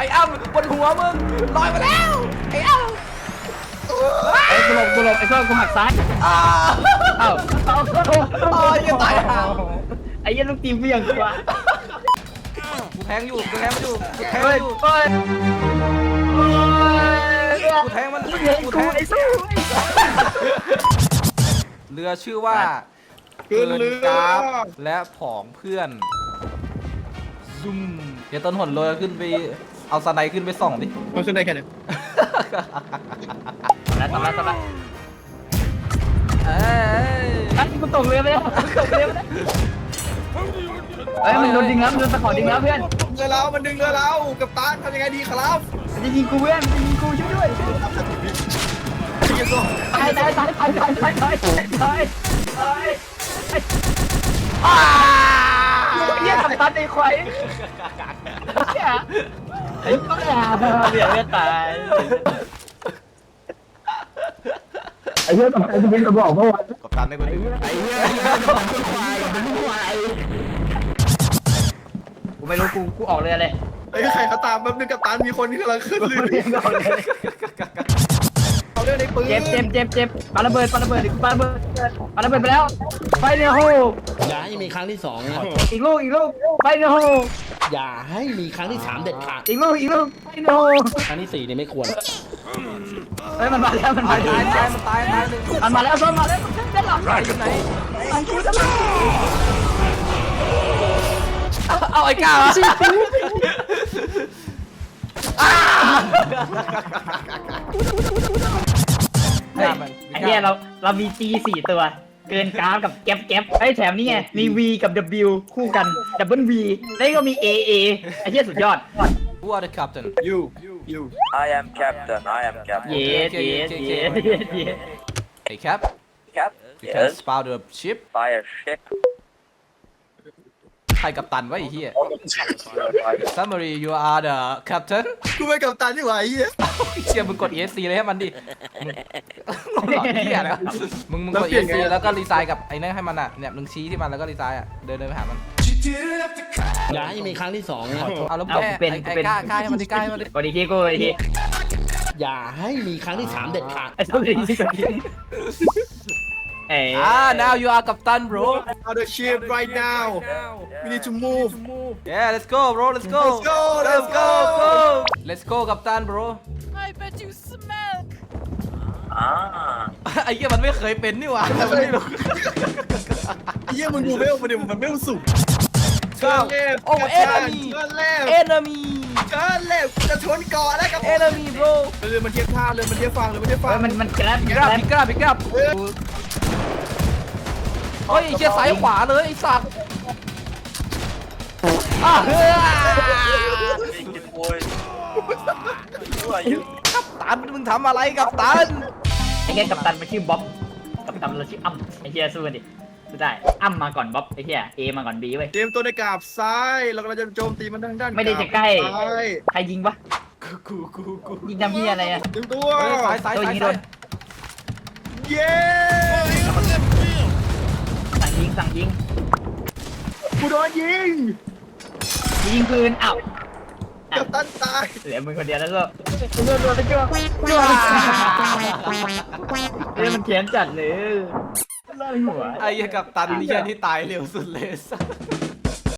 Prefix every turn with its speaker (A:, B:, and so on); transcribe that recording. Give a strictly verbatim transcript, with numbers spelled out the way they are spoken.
A: อ้อ้ำบนหัวมึงลอยมาแล้วไอ้อ้ำ
B: ไอ้กูหลบกูหลบไอ้เพื่อนกูหักซ้าย
A: อ้า
B: เอ้าเอ้า
A: โอ้ยยังตายห่า
B: ไอ้ยันลูกตีเบี่ยงกว่า
A: กูแทงอยู่กูแทงมันอยู่กูแทง
B: เฮ้
A: มั
B: ย
A: นอยู่
B: เฮ้ย
A: กูแทงมัน
B: กูเห็นกูไอ้สู้
A: เรือชื่อว่าเกินกราฟและผองเพื่อนซุ่มเดี๋ยวต้นหนโรยขึ้นไปเอาสไนขึ้นไปส่องดิ
C: มันขึ้นได้แค่ไหน
B: แล้วทำแล้วทำแล้ว
A: เอ้ย
B: ไอ้กูตกเรือไปแล้วตกเรือไปแล้วเฮ้ยมันโดนดึงแล้วมันโดนตะขอดึงแล้วเพื่อน
C: เรือเรามันดึงเรือเรากับตาทำยังไงดีครับ
B: มันจะยิงกูเพื่อนมันจะยิงกูช่วยด้วย
C: ที่ยังก็
B: ตายตายตายตายตายตายตายตายตายอ้าเยี่ยทำตันไอ้ควายไอ้ก็แอบเบี่ยงไม่ตายไอ้เหี้ยตกใจจะเป็นกระบอกเมื่อวาน
A: กับตันได้กูดึง
B: ไอ้เหี้ยกูไม่รู้กูกูออกเลยเลย
C: ไอ้ใครเขาตามแป๊บนึงกับตามีคนที่กำลังขึ้นเรือ
B: ออกเลย
C: เอาเรื่องในปืน
B: เจ็บเจ็บเจ็บเจ็บปาระเบิดปาระเบิดปาระเบิดปาระเบิดไปแล้วไฟในโฮ
D: อย่าให้มีครั้งที่สองนะ
B: อีกลูกอีกลูกไฟในโฮ
D: อย่าให้มีครั้งที่สามเด็ดขาด
B: อีกลูกอีกลูกไฟในโฮ
D: ครั้งที่สี่เนี่ยไม่ควร
B: เฮ้ยมันมาแล้วมัน
A: ตา
B: มา
A: ย
B: แล้ว
A: ตายตายมันตายตายหนึ่ง
B: มันมาแล้วซ้อนมาแล้วด้านหลัง
A: ไหนอยู่ไหน
B: มันกูจะมา
A: เอาไอ้ก้าวไอ้
B: ไอ้เหี้ยเราเรามี G สี่ตัว เกินกราฟกับแก๊ปแก๊ปไอ้แถมนี่ไงมี V กับ W คู่กัน Double V แล้วก็มี A A ไอ้เหี้ยสุดยอด
A: Who are the captain
C: ยูยู
E: I am captain. I am captain.
B: เย็ดเย็ดเย็ดเย็ด
A: Hey cap
E: Cap.
A: you can
E: Yes.
A: spout the ship
E: Fire ship.
A: ใครกัปตันวะไอ้เหี้ย Summary you are the captain
C: กูเป็นกับตาที่ไหวไอ้เหี้ย
A: เชียร์มึงกด E S C เลยให้มันดิมึงหลอกเหี้ยแล้วมึงมึงกด E S C แล้วก็รีไซน์กับไอ้นั่นให้มันอ่ะเนี่ยมึงชี้ที่มันแล้วก็รีไซน์อ่ะเดินเดินไปหามัน
D: อย่าให้มีครั้งที่สองนะ
A: เอาแล้ว
B: เอา
A: แม่
B: เป็น
A: ไอ้ไอ้
B: เป็น
A: กล้ากล้าให้มันดิกล้าให้มันดิ
B: กดอีกทีกูอีกที
D: อย่าให้มีครั้งที่สามเด็ดขาด
B: ไอ้สุดอีกทีกดอีกทีเอ๋
A: อ่า now you are กัปตัน bro
C: on the ship right now we need to move
A: yeah let's go bro let's go
C: Let's go, let's go.
A: go let's go กัปตัน bro
F: I bet you smell.
E: Ah.
A: ไอ้เหี้ยมันไม่เคยเป็นนี่หว่าแต่มันไม่รู้
C: ไอ้เหี้ยมึงดูเวลมันดิมันเวลสูง
A: เก้าโอ้ enemy
C: เชิญเล็บ
A: enemy
C: เชิญเล็บจะชนเกาะแล้วกับ
A: enemy bro
C: เรือมันเทียบท่าเรือมันเทียบฝั่งเรือมันเทียบฝั่
B: เฮ้
C: ง
B: ยมันมันแกร็บ
A: พิกราบพิกราบพิกราบเฮ้ยไอ้เชี่ยซ้ายขวาเลยไอ้สัตว์อ่ะเฮ้ย
E: Make it, boys. Who are you?
A: กัปตันมึงทำอะไรกัปตัน
B: ไอ้เหี้ยกัปตันมันชื่อบ๊อบกัปตันเราชื่ออ้ำไอ้เหี้ยสู้กันดิสู้ได้อ้ำมาก่อนบ๊อบไอ้เหี้ยเอมาก่อนบีเว้ย
C: เตรียมตัวในกราบซ้ายเรากำลังจะโจมตีมันทางด้าน
B: ไม่ได้จะใกล้
C: กราบซ้าย
B: ใครยิงปะ
A: กูกูกูกู
B: ยิงทำเหี้ยอะไรอะ
C: เตรียมตัว
A: เฮ้ยซ้ายซ้าย
B: ตัว
A: ซ้าย
B: ยิงโด
A: ซ้าย
B: น
C: เย้
B: สั่งยิงสั่งยิง
C: กูโดนยิง
B: ยิงปืนอ้าว
C: กับตันตาย
B: เหลือมึงคนเดียวแล้วก็โดนโดนไปจ้วงจ้วงเฮ้ยมันเขียนจัดเลยไล่หัว
A: ไอ้เหี้ยกัปตันนี่แค่ที่ตายเร็วสุดเลยสัส